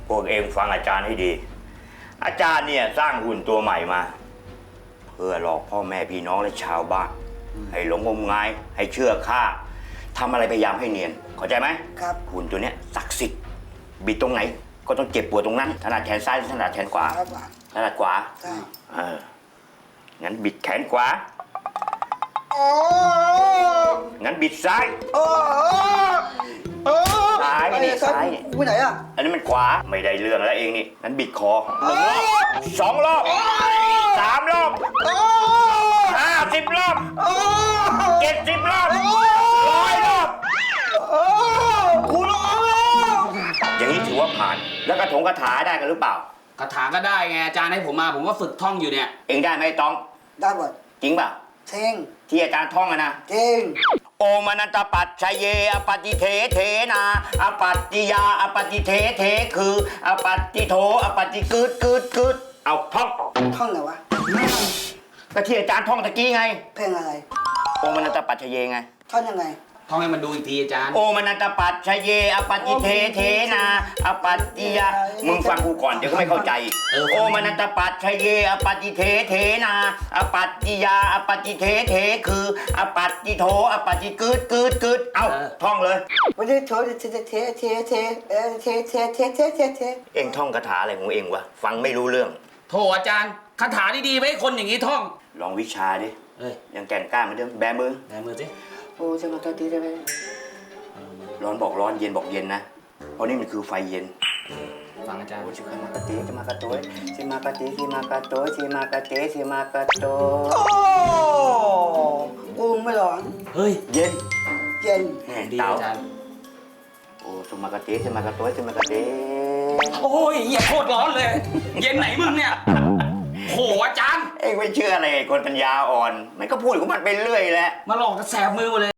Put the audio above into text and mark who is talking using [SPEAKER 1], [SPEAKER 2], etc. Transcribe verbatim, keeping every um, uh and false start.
[SPEAKER 1] พวกเองฟังอาจารย์ให้ดี อาจารย์เนี่ยสร้างหุ่นตัวใหม่มา เพื่อหลอกพ่อแม่พี่น้องและชาวบ้านให้หลงงมงายให้เชื่อข้าทำอะไรพยายามให้เนียนเข้าใจไหม
[SPEAKER 2] ครับ
[SPEAKER 1] หุ่นตัวเนี้ยศักดิ์สิทธิ์บิดตรงไหนก็ต้องเจ็บปวดตรงนั้นถนัดแขนซ้ายหรือถนัดแขนขวา
[SPEAKER 2] ครับ
[SPEAKER 1] ถนัดขวา
[SPEAKER 2] ใช่
[SPEAKER 1] เอองั้นบิดแขนขวา
[SPEAKER 2] โอ้
[SPEAKER 1] งั้นบิดซ้าย
[SPEAKER 2] โอ้โอ้
[SPEAKER 1] ซ้ายนี่ซ้ายนี่
[SPEAKER 2] ไปไหนอ่ะ
[SPEAKER 1] อันนี้มันขวาไม่ได้เรื่องแล้วเองนี่งั้นบิดคอหนึ่งรอบสองรอบสามรอบ
[SPEAKER 2] โอ้
[SPEAKER 1] ห้าสิบรอบ
[SPEAKER 2] โอ้
[SPEAKER 1] เจ็ดสิบรอบร้อยรอบ
[SPEAKER 2] โอ้กูร้องแล้ว
[SPEAKER 1] อย่างนี้ถือว่าผ่าน แล้วกระถงกระถาได้กันหรือเปล่า
[SPEAKER 3] คาถาก็ได้ไงอาจารย์ให้ผมมาผมก็ฝึกท่องอยู่เนี่ย
[SPEAKER 1] เองได้ไหมต้อง
[SPEAKER 2] ได้หมด
[SPEAKER 1] จริงเปล่า
[SPEAKER 2] เท่ง
[SPEAKER 1] ที่อาจารย์ท่องอะนะ
[SPEAKER 2] เท่ง
[SPEAKER 1] โอมานันตปัจชยเยอปฏิเทเทนาอปัตติยาอปฏิเทเทคืออปัตติโทอปฏิกึดกึดกึดเอาท่อง
[SPEAKER 2] ท่องไหนวะ
[SPEAKER 1] ก็ที่อาจารย์ท่องตะกี้ไง
[SPEAKER 2] เพลงอะไร
[SPEAKER 1] โอมานันตปัจชยเยไง
[SPEAKER 2] ท่อนยังไง
[SPEAKER 3] ท่องให้มันดูอีกทีอาจารย์
[SPEAKER 1] โอมานันตปัจชยเยอปฏิเทเทนาอปัตติยามึงฟังกูก่อนเดี๋ยวก็ไม่เข้าใจ
[SPEAKER 3] เออ
[SPEAKER 1] โอมานันตปัจชยเยอปฏิเทเทนาอปัตติยาอปฏิเทเทคืออปัตติโทอปฏิกึดกึดกึดเอาท่องเลย
[SPEAKER 2] วันนี้โถเทเทเทเทเทเออเทเทเทเทเทเท
[SPEAKER 1] เองท่องคาถาอะไรของเองวะฟังไม่รู้เรื่อง
[SPEAKER 3] โถอาจารย์คาถาดีๆไว้ให้คนอย่างนี้ท่อง
[SPEAKER 1] ลองวิชาดิ
[SPEAKER 3] เอ้ย
[SPEAKER 1] ยังแก่นกล้าเหมือนเดิมแบมือ
[SPEAKER 3] ไหนมือสิ
[SPEAKER 2] โอ้จะมาตัวตีได้ไหม
[SPEAKER 1] ร้อนบอกร้อนเย็นบอกเย็นนะเพราะนี่มันคือไฟเย็น
[SPEAKER 3] ฟังอาจารย์
[SPEAKER 1] โอ้ชิคามากะเตชิมากะโตยชิมากะเตชิมากะโตยชิมากะเตชิมากะโตย
[SPEAKER 2] โอ้กูไม่ร้อน
[SPEAKER 3] เฮ้ย
[SPEAKER 1] เย็น
[SPEAKER 2] เย็น
[SPEAKER 1] แน่
[SPEAKER 3] ดี
[SPEAKER 1] เต๋า
[SPEAKER 3] อาจารย์
[SPEAKER 1] โอ้ชิมากะเตชิมากะโตยชิมากะเต
[SPEAKER 3] โอ้ยเหี้ยโคตรร้อนเลย เย็นไหนมึงเนี่ยโหอาจารย์
[SPEAKER 1] เองไม่เชื่ออะไรไอ้คนปัญญาอ่อนมันก็พูดของมันไปเรื่อยแหละ
[SPEAKER 3] มาหลอกกระแสบมือหมดเลย